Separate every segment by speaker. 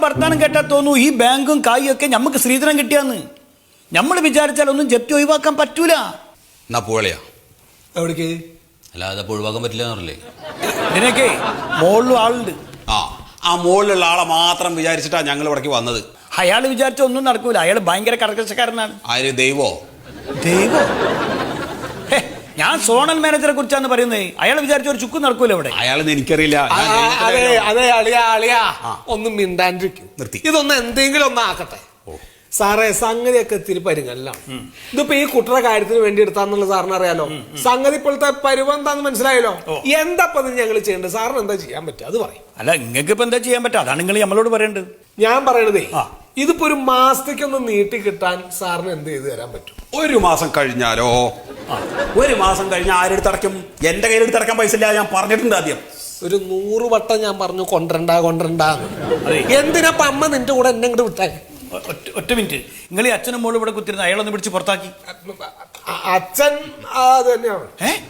Speaker 1: വർത്താനം കേട്ടാൽ തോന്നുന്നു ഈ ബാങ്കും കായും ഒക്കെ നമുക്ക് ശ്രീധരൻ കിട്ടിയാന്ന്. നമ്മൾ വിചാരിച്ചാൽ ഒന്നും ജപ്തി ഒഴിവാക്കാൻ പറ്റൂല.
Speaker 2: എന്നാ പോളിയാ
Speaker 1: എവിടേക്ക്?
Speaker 2: അല്ലാതെ ഒഴിവാക്കാൻ പറ്റില്ല എന്നറിയില്ലേ?
Speaker 1: ഇതിനൊക്കെ മുകളിലും ആളുണ്ട്.
Speaker 2: ആ മുകളിലുള്ള ആളെ മാത്രം വിചാരിച്ചിട്ടാ ഞങ്ങൾ ഇവിടേക്ക് വന്നത്.
Speaker 1: അയാൾ വിചാരിച്ച ഒന്നും നടക്കൂല. അയാൾ ഭയങ്കര കർക്കശക്കാരനാണ്.
Speaker 2: ആര്? ദൈവോ?
Speaker 1: ഞാൻ സോണൽ മാനേജറെ കുറിച്ചാണ് പറയുന്നത്. അയാൾ വിചാരിച്ച ഒരു ചുക്കും നടക്കൂല ഇവിടെ.
Speaker 2: അയാളെന്ന് എനിക്കറിയില്ല.
Speaker 3: അതെ അളിയാ ഒന്നും മിണ്ടാണ്ടിരിക്കും. നിർത്തി. ഇതൊന്ന് എന്തെങ്കിലും ഒന്ന് ആക്കട്ടെ സാറേ. സംഗതിയൊക്കെ ഇത്തിരി പരിങ്ങല്ലാം. ഇതിപ്പോ ഈ കുട്ടറ കാര്യത്തിന് വേണ്ടി എടുത്താന്നുള്ള സാറിന് അറിയാലോ. സംഗതി ഇപ്പോഴത്തെ പരുവം എന്താന്ന് മനസ്സിലായല്ലോ. എന്താ ഞങ്ങൾ ചെയ്യേണ്ടത്? സാറിന് എന്താ ചെയ്യാൻ പറ്റുക അത് പറയും.
Speaker 1: അല്ല, നിങ്ങൾക്ക് ഇപ്പൊ എന്താ ചെയ്യാൻ പറ്റുക? അതാണ് നിങ്ങൾ നമ്മളോട് പറയേണ്ടത്.
Speaker 3: ഞാൻ പറയണതേ, ഇതിപ്പോ ഒരു മാസത്തേക്കൊന്ന് നീട്ടി കിട്ടാൻ സാറിന് എന്ത് ചെയ്തു തരാൻ പറ്റും?
Speaker 2: ഒരു മാസം കഴിഞ്ഞാലോ? ഒരു മാസം കഴിഞ്ഞാൽ ആരെടുത്ത് അടയ്ക്കും? എന്റെ കയ്യിലെടുത്ത് അടയ്ക്കാൻ പൈസ ഇല്ല. ഞാൻ പറഞ്ഞിട്ടുണ്ട് ആദ്യം.
Speaker 3: ഒരു 100 വട്ടം ഞാൻ പറഞ്ഞു കൊണ്ടരണ്ട. എന്തിനാ അമ്മ നിന്റെ കൂടെ എന്നെ ഇങ്ങോട്ട് വിട്ടാ?
Speaker 1: ഒറ്റ മിനിറ്റ്. നിങ്ങൾ ഈ അച്ഛനും മോളും ഇവിടെ കുത്തിരുന്ന അയാളൊന്ന് പിടിച്ച് പുറത്താക്കി.
Speaker 3: അച്ഛൻ അത് തന്നെയാണ്.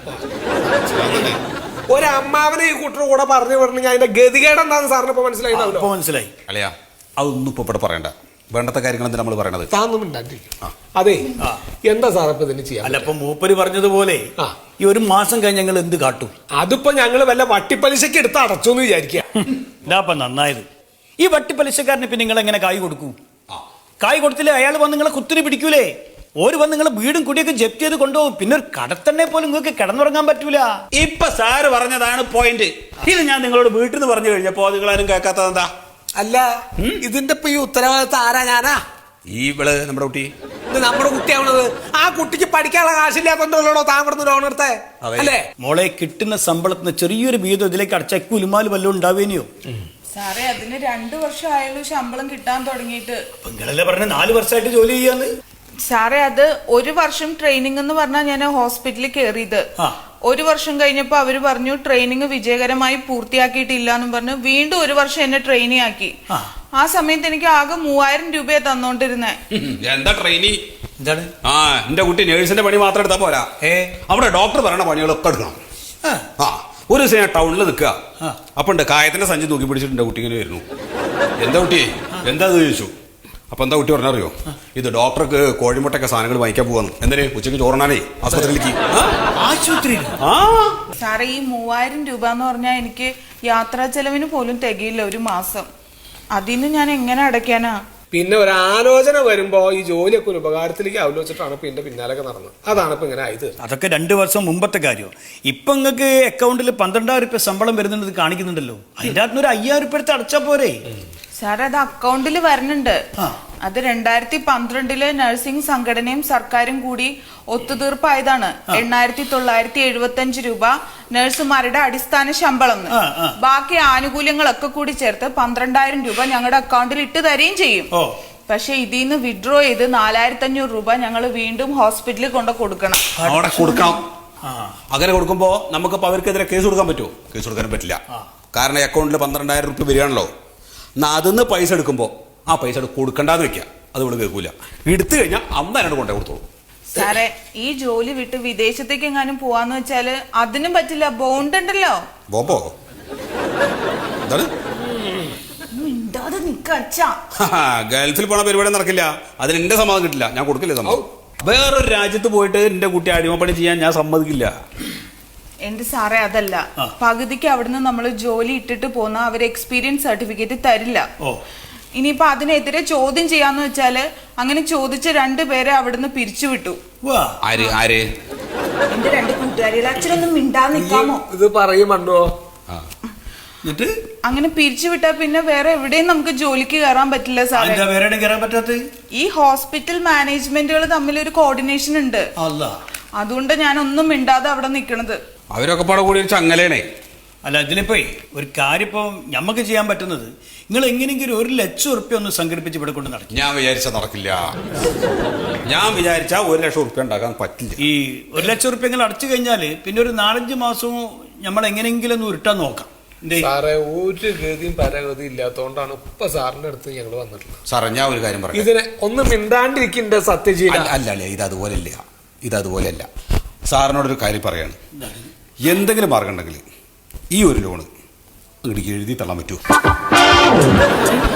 Speaker 3: ഒരമ്മാവനെ ഈ കുട്ടർ കൂടെ പറഞ്ഞു വിടണമെങ്കിൽ അതിന്റെ ഗതികേട് എന്താന്ന് സാറിന് ഇപ്പൊ മനസ്സിലായിട്ടാവല്ലോ.
Speaker 1: മനസ്സിലായി
Speaker 2: അല്ലയാ, അതൊന്നും ഇപ്പൊ ഇവിടെ പറയണ്ട. വേണ്ടത്തെ കാര്യങ്ങൾ എന്താ നമ്മൾ പറയണത്?
Speaker 3: അതെ, എന്താ സാർ ഇപ്പൊ ഇതിന് ചെയ്യാം?
Speaker 1: അല്ല, ഇപ്പൊ മൂപ്പര് പറഞ്ഞതുപോലെ ഈ ഒരു മാസം കഴിഞ്ഞ് ഞങ്ങൾ എന്ത് കാട്ടും?
Speaker 3: അതിപ്പോ ഞങ്ങള് വല്ല വട്ടിപ്പലിശക്ക് എടുത്ത് അടച്ചു എന്ന് വിചാരിക്കുക.
Speaker 1: ഇതാപ്പ നന്നായത്. ഈ വട്ടിപ്പലിശക്കാരന് പിന്നെ നിങ്ങൾ എങ്ങനെ കായ് കൊടുക്കൂ? കായ് കൊടുത്തില്ലേ അയാൾ വന്ന് നിങ്ങളെ കുത്തിരി പിടിക്കൂലേ? ഓര് വന്ന് നിങ്ങളെ വീടും കുടിയൊക്കെ ജപ്തി ചെയ്ത് കൊണ്ടുപോകും. പിന്നെ ഒരു കടത്തന്നെ പോലും നിങ്ങൾക്ക് കിടന്നുറങ്ങാൻ പറ്റൂല.
Speaker 2: ഇപ്പൊ സാറ് പറഞ്ഞതാണ് പോയിന്റ്. ഇത് ഞാൻ നിങ്ങളോട് വീട്ടിൽ നിന്ന് പറഞ്ഞു കഴിഞ്ഞപ്പോ നിങ്ങളാരും കേൾക്കാത്തത് എന്താ?
Speaker 3: അല്ല, ഇതിന്റെ ഇപ്പൊ ഈ ഉത്തരവാദിത്തം ആരാ? ഞാനാ?
Speaker 2: ഈ ഇവള് നമ്മുടെ കുട്ടി.
Speaker 3: ഇത് നമ്മുടെ കുട്ടിയാവണത്. ആ കുട്ടിക്ക് പഠിക്കാനുള്ള കാശില്ലാത്തോണ്ടല്ലോ താൻ ഇവിടുന്ന് ലോൺ എടുത്തേ അല്ലേ?
Speaker 1: മോളെ, കിട്ടുന്ന ശമ്പളത്തിന് ചെറിയൊരു വീതം ഇതിലേക്ക് അടച്ച കുലുമാല് വല്ലതും ഉണ്ടാവേനെയോ?
Speaker 4: സാറേ, അതിന് 2 വർഷം ആയുള്ളൂ ശമ്പളം കിട്ടാൻ തുടങ്ങിയിട്ട്.
Speaker 1: നിങ്ങളല്ലേ പറഞ്ഞ 4 വർഷമായിട്ട് ജോലി ചെയ്യാന്ന്.
Speaker 4: സാറേ, അത് 1 വർഷം ട്രെയിനിങ് എന്ന് പറഞ്ഞാൽ ഞാൻ ഹോസ്പിറ്റലിൽ കയറിയത്. 1 വർഷം കഴിഞ്ഞപ്പോ അവര് പറഞ്ഞു ട്രെയിനിങ് വിജയകരമായി പൂർത്തിയാക്കിയിട്ടില്ല എന്നും പറഞ്ഞു വീണ്ടും 1 വർഷം എന്നെ ട്രെയിനി ആക്കി. ആ സമയത്ത് എനിക്ക് ആകെ 3000 രൂപയെ തന്നോണ്ടിരുന്നേ.
Speaker 2: എന്താ ട്രെയിനി? എന്റെ കുട്ടി നേഴ്സിന്റെ പണി മാത്രം എടുത്താ പോരാ. അവിടെ ഡോക്ടർ പറയണ പണികളൊക്കെ എടുക്കണം. ഒരു ദിവസം ഞാൻ ടൗണിൽ നിൽക്കുക. അപ്പൊ ഉണ്ട് കായത്തിന്റെ സഞ്ചി തൂക്കി പിടിച്ചിട്ട് എന്റെ കുട്ടി ഇങ്ങനെ വരുന്നു. എന്താ കുട്ടി എന്താ ചോദിച്ചു. അപ്പൊ എന്താ കുട്ടി പറഞ്ഞറിയോ? ഇത് ഡോക്ടർക്ക് കോഴിമുട്ടൊക്കെ സാധനങ്ങൾ വാങ്ങിക്കാൻ പോവാന്ന്. എന്തിന്? ഉച്ചയ്ക്ക് ചോറിനാനേ ആശുപത്രിയിലേക്ക്.
Speaker 4: സാറേ, ഈ 3000 രൂപ എന്ന് പറഞ്ഞാൽ എനിക്ക് യാത്രാ ചെലവിന് പോലും തികയില്ല ഒരു മാസം. അതിന് ഞാൻ എങ്ങനെ അടയ്ക്കാനാ?
Speaker 3: പിന്നെ ഒരു ആലോചന വരുമ്പോ ഈ ജോലിയൊക്കെ ഒരു ഉപകാരത്തിലേക്ക് ആലോചിച്ചിട്ടാണ് പിന്നെ പിന്നാലൊക്കെ നടന്നത്. അതാണ് ഇപ്പൊ ഇങ്ങനെ ആയത്.
Speaker 1: അതൊക്കെ 2 വർഷം മുമ്പത്തെ കാര്യം. ഇപ്പൊ നിങ്ങൾക്ക് അക്കൗണ്ടിൽ 12,000 രൂപ ശമ്പളം വരുന്നുണ്ട് കാണിക്കുന്നുണ്ടല്ലോ. അതിന്റെ അകത്ത് ഒരു 5,000 രൂപ എടുത്ത് അടച്ചാ പോരെ?
Speaker 4: സാർ, അത് അക്കൗണ്ടിൽ വരുന്നുണ്ട്. അത് 2012 നഴ്സിംഗ് സംഘടനയും സർക്കാരും കൂടി ഒത്തുതീർപ്പായതാണ്. 8,975 രൂപ നഴ്സുമാരുടെ അടിസ്ഥാന ശമ്പളം. ബാക്കി ആനുകൂല്യങ്ങളൊക്കെ കൂടി ചേർത്ത് 12,000 രൂപ ഞങ്ങളുടെ അക്കൗണ്ടിൽ ഇട്ട് തരികയും ചെയ്യും. പക്ഷെ ഇതിൽ നിന്ന് വിഡ്രോ ചെയ്ത് 4,500 രൂപ ഞങ്ങൾ വീണ്ടും ഹോസ്പിറ്റലിൽ കൊണ്ട് കൊടുക്കണം.
Speaker 2: അങ്ങനെ കൊടുക്കുമ്പോ നമുക്കിപ്പോ അവർക്കെതിരെ കേസ് കൊടുക്കാൻ പറ്റുമോ? കേസ് കൊടുക്കാൻ പറ്റില്ല. കാരണം അക്കൗണ്ടിൽ 12,000 രൂപ വരികയാണല്ലോ. എന്നാ അതിന്ന് പൈസ എടുക്കുമ്പോ ആ പൈസ കൊടുക്കണ്ടെന്ന് വെക്കുക. അത് ഇവിടെ കേൾക്കൂല. എടുത്തു കഴിഞ്ഞാൽ അന്ന് എന്നോട് കൊണ്ടേ കൊടുത്തോളൂ.
Speaker 4: സാറേ, ഈ ജോലി വിട്ട് വിദേശത്തേക്ക് എങ്ങാനും പോവാന്ന് വെച്ചാല് അതിനും പറ്റില്ല. ബോണ്ട് ഉണ്ടല്ലോ.
Speaker 2: ബോംബോ? എന്താണ്? ഗൾഫിൽ പോണ പരിപാടി നടക്കില്ല. അതിന് എന്റെ സമ്മതം കിട്ടില്ല. ഞാൻ കൊടുക്കില്ല സമ്മതം. വേറൊരു രാജ്യത്ത് പോയിട്ട് എന്റെ കുട്ടി അടിമപ്പണി ചെയ്യാൻ ഞാൻ സമ്മതിക്കില്ല.
Speaker 4: എന്റെ സാറേ, അതല്ല. പകുതിക്ക് അവിടുന്ന് നമ്മൾ ജോലി ഇട്ടിട്ട് പോന്ന അവർ എക്സ്പീരിയൻസ് സർട്ടിഫിക്കറ്റ് തരില്ല. ഇനിയിപ്പൊ അതിനെതിരെ ചോദ്യം ചെയ്യാന്ന് വെച്ചാല് അങ്ങനെ ചോദിച്ച 2 പേരെ അവിടുന്ന് പിരിച്ചുവിട്ടു. എന്റെ 2 കൂട്ടുകാരികൾ. അച്ഛനൊന്നും മിണ്ടാതെ നിൽക്കാമോ?
Speaker 3: ഇത് പറയുമോ?
Speaker 4: അങ്ങനെ പിരിച്ചുവിട്ടാ പിന്നെ വേറെ എവിടെയും നമുക്ക് ജോലിക്ക് കയറാൻ പറ്റില്ല സാറേ. ഈ ഹോസ്പിറ്റൽ മാനേജ്മെന്റുകൾ തമ്മിൽ ഒരു കോർഡിനേഷൻ ഉണ്ട്. അതുകൊണ്ട് ഞാൻ ഒന്നും മിണ്ടാതെ അവിടെ നിൽക്കണത്.
Speaker 2: അവരൊക്കെ പാടെ കൂടി ചങ്ങലേണേ.
Speaker 1: അല്ല, ഇതിനിപ്പോ ഒരു കാര്യം ഇപ്പൊ ഞമ്മക്ക് ചെയ്യാൻ പറ്റുന്നത് നിങ്ങൾ എങ്ങനെയെങ്കിലും 1,00,000 റുപ്യ ഒന്ന് സംഘടിപ്പിച്ച് ഇവിടെ കൊണ്ട് നടക്കും.
Speaker 2: ഞാൻ വിചാരിച്ച നടക്കില്ല. ഞാൻ വിചാരിച്ച 1,00,000 റുപ്യ ഉണ്ടാക്കാൻ പറ്റില്ല.
Speaker 1: ഈ 1,00,000 റുപ്യ നിങ്ങൾ അടച്ചു കഴിഞ്ഞാല് പിന്നെ ഒരു 4-5 മാസവും നമ്മൾ എങ്ങനെയെങ്കിലും ഒന്ന് ഉരുട്ടാൻ നോക്കാം.
Speaker 3: സാറേ, ഒരു ഗതിയും പരഗതി ഇല്ലാത്തോണ്ടാണ് ഇപ്പൊ സാറിന്റെ അടുത്ത് ഞങ്ങൾ വന്നിട്ടുള്ളത്.
Speaker 2: സാറേ, ഞാൻ ഒരു കാര്യം പറയാം.
Speaker 3: ഇതിനെ ഒന്ന് മിണ്ടാണ്ടിരിക്കണ്ട സത്യജീവൻ.
Speaker 2: അല്ല, ഇതതുപോലെയല്ല. സാറിനോടൊരു കാര്യം പറയാണ്. എന്തെങ്കിലും മാർഗം ഉണ്ടെങ്കിൽ ഈ ഒരു ലോണ് ഇങ്ങോട്ട് എഴുതി തള്ളാൻ പറ്റുമോ?